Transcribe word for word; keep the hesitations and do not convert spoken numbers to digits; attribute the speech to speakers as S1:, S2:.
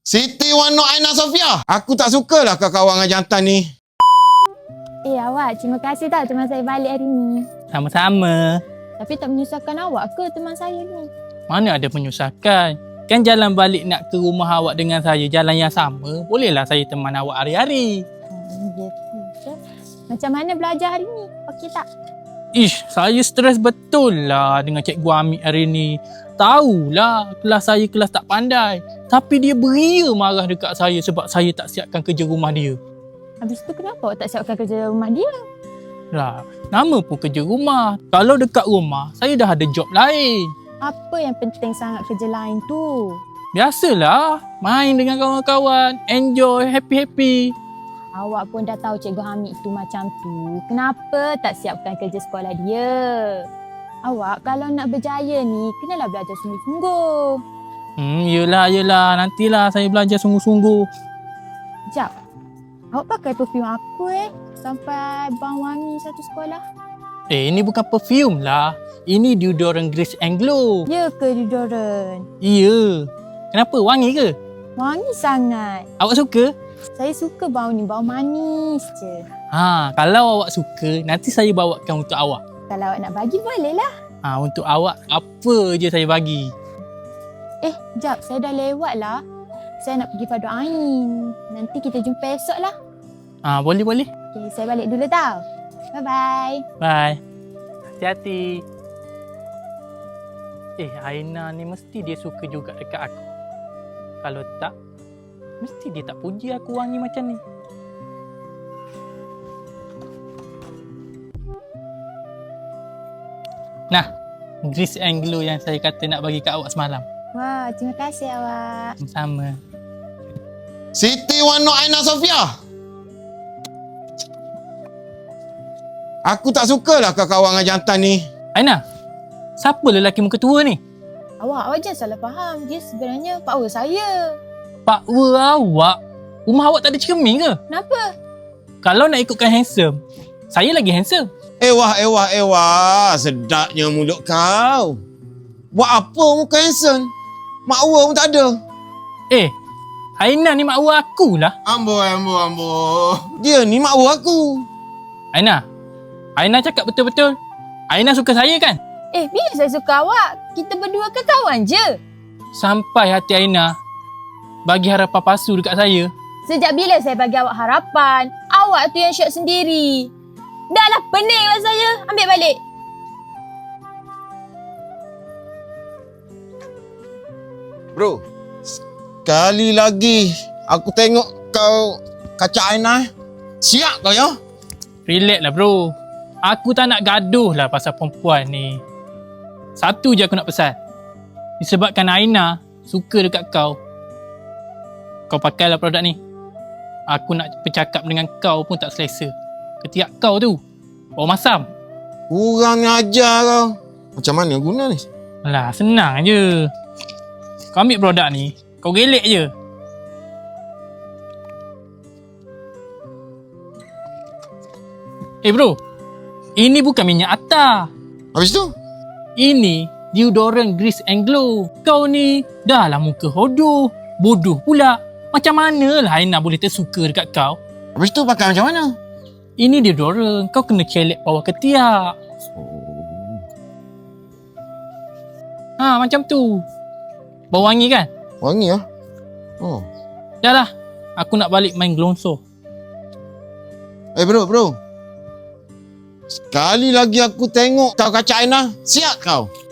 S1: Siti Wano Aina Sofia. Aku tak sukalah kau kawan dengan jantan ni.
S2: Eh awak, terima kasih tau teman saya balik hari ni.
S3: Sama-sama.
S2: Tapi tak menyusahkan awak ke teman saya ni?
S3: Mana ada menyusahkan. Kan jalan balik nak ke rumah awak dengan saya jalan yang sama. Bolehlah saya teman awak hari-hari.
S2: Hmm, gitu je. Macam mana belajar hari ni? Okey tak?
S3: Ish, saya stres betul lah dengan cikgu Amik hari ni. Tahulah kelas saya kelas tak pandai. Tapi dia beria marah dekat saya sebab saya tak siapkan kerja rumah dia.
S2: Habis tu kenapa awak tak siapkan kerja rumah dia?
S3: Lah, nama pun kerja rumah. Kalau dekat rumah, saya dah ada job lain.
S2: Apa yang penting sangat kerja lain tu?
S3: Biasalah, main dengan kawan-kawan, enjoy, happy-happy.
S2: Awak pun dah tahu Cikgu Hamid tu macam tu. Kenapa tak siapkan kerja sekolah dia? Awak kalau nak berjaya ni, kenalah belajar sungguh-sungguh.
S3: Hmm, yelah, yelah. Nantilah saya belajar sungguh-sungguh.
S2: Sekejap. Awak pakai perfume apa eh? Sampai bang wangi satu sekolah.
S3: Eh, ini bukan perfume lah. Ini deodorant Grace and Glow.
S2: Ya ke deodorant?
S3: Iya. Kenapa? Wangi ke?
S2: Wangi sangat.
S3: Awak suka?
S2: Saya suka bau ni, bau manis je.
S3: Ha, kalau awak suka, nanti saya bawakan untuk awak.
S2: Kalau awak nak bagi bolehlah.
S3: Ha, untuk awak, apa je saya bagi.
S2: Eh, jap, saya dah lewat lah. Saya nak pergi Padu Ain. Nanti kita jumpa esok lah.
S3: Ha, boleh-boleh.
S2: Okay, saya balik dulu tau. Bye-bye.
S3: Bye. Hati-hati. Eh, Aina ni mesti dia suka juga dekat aku. Kalau tak, mesti dia tak puji aku wangi macam ni. Nah, Grace and Glow yang saya kata nak bagi kat awak semalam.
S2: Wah, terima kasih awak.
S3: Sama.
S1: Siti Wano Aina Sofia. Aku tak sukalah kau kawan dengan jantan ni.
S3: Aina, siapa lelaki muka tua ni?
S2: Awak, awak jangan salah faham. Dia sebenarnya pak wer saya.
S3: Pak wer awak? Rumah awak tak ada cermin ke?
S2: Kenapa?
S3: Kalau nak ikutkan handsome, saya lagi handsome.
S1: Ewah, ewah, ewah. Sedapnya mulut kau. Buat apa muka handsome? Makwa pun tak ada.
S3: Eh, Aina ni mak wer aku lah.
S1: Ambo, ambo, ambo. Dia ni makwa aku.
S3: Aina, Aina cakap betul-betul. Aina suka saya kan?
S2: Eh, bila saya suka awak? Kita berdua ke kawan je?
S3: Sampai hati Aina bagi harapan palsu dekat saya.
S2: Sejak bila saya bagi awak harapan? Awak tu yang syok sendiri. Dah lah, pening lah saya. Ambil balik.
S1: Bro, sekali lagi aku tengok kau kaca Aina. Siap kau ya?
S3: Relax lah bro. Aku tak nak gaduh lah pasal perempuan ni. Satu je aku nak pesan. Disebabkan Aina suka dekat kau, kau pakailah produk ni. Aku nak bercakap dengan kau pun tak selesa. Ketiak kau tu bau masam.
S1: Kurang ajar kau. Macam mana guna ni?
S3: Alah, senang je. Kau ambil produk ni, kau gelek je. Eh bro, ini bukan minyak atar.
S1: Habis tu?
S3: Ini deodorant Grace and Glow. Kau ni dah lah muka hodoh, bodoh pula. Macam mana lah Aina boleh tersuka dekat kau?
S1: Habis tu pakai macam mana?
S3: Ini deodorant, kau kena celek bawah ketiak.
S1: Oh.
S3: Ha, macam tu. Bau wangi kan?
S1: Wangi lah. Oh.
S3: Dah lah, aku nak balik main gelonsor.
S1: Eh bro, bro. Sekali lagi aku tengok kau kaca Aina, siap kau.